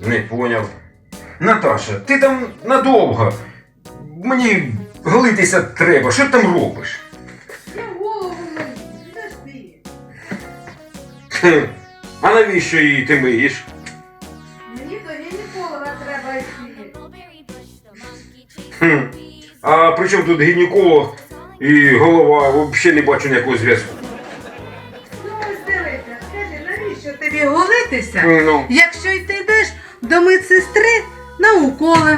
Не поняв. Наташа, ти там надовго. Мені голитися треба. Що ти там робиш? Я голову мию, підожди. Хе, а навіщо її ти миєш? Мені до гінеколога треба йти. Хм. А при чому тут гінеколог і голова? Взагалі не бачу ніякого зв'язку. Ну ось дивися, скажи, навіщо тобі голитися, Ну. якщо й ти йдеш до медсестри на уколи?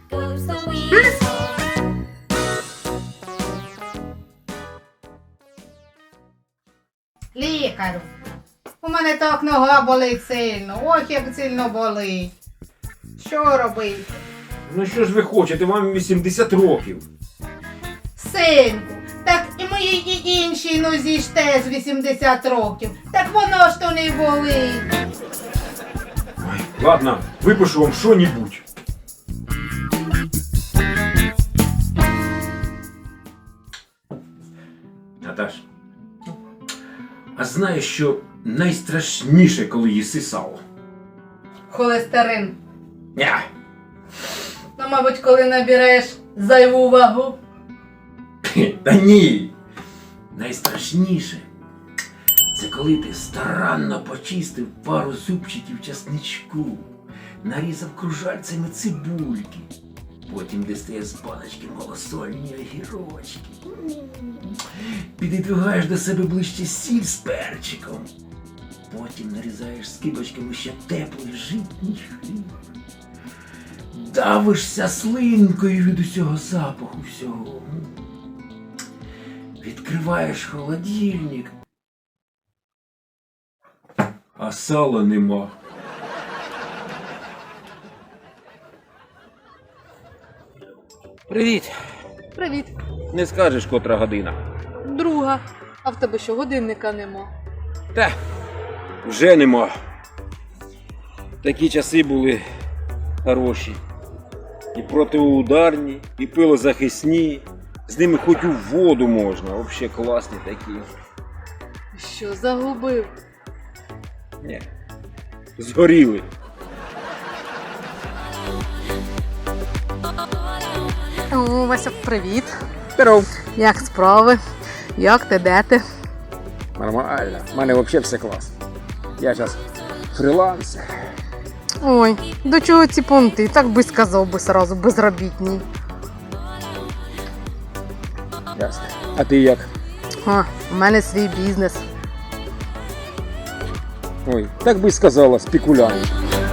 Лікарю, у мене так нога болить сильно, ох як сильно болить. Що робити? Ну що ж ви хочете, вам 80 років. Синку, так і моїй і іншій нозі ж теж 80 років. Так воно ж то не болить. Ой, ладно, випишу вам що-небудь. Наташ, а знаєш, що найстрашніше, коли їси сало? Холестерин. Ня. Ну, мабуть, коли набереш зайву вагу. Та ні. Найстрашніше це коли ти старанно почистив пару зубчиків часничку, нарізав кружальцями цибульки, потім дістаєш з баночки малосольні огірочки, підідвигаєш до себе ближче сіль з перчиком, потім нарізаєш скибочками ще теплий житній хліб, давишся слинкою від усього запаху всього. Відкриваєш холодильник, а сала нема. Привіт. Привіт, Не скажеш, котра година. друга. А в тебе що, годинника нема? Та, вже нема. Такі часи були хороші. І протиударні, і пилозахисні. З ними хоч у воду можна. Взагалі класні такі. Що, загубив? Ні. Згоріли. О, Вася, привіт. Здоров. Як справи? Як ти, де ти? Нормально. У мене взагалі все клас. Я зараз фрілансер. Ой, до чого ці понти? Так би сказав би сразу, безробітній. Ясно. А ти як? А, у мене свій бізнес. Ой, так би сказала, спекулянт.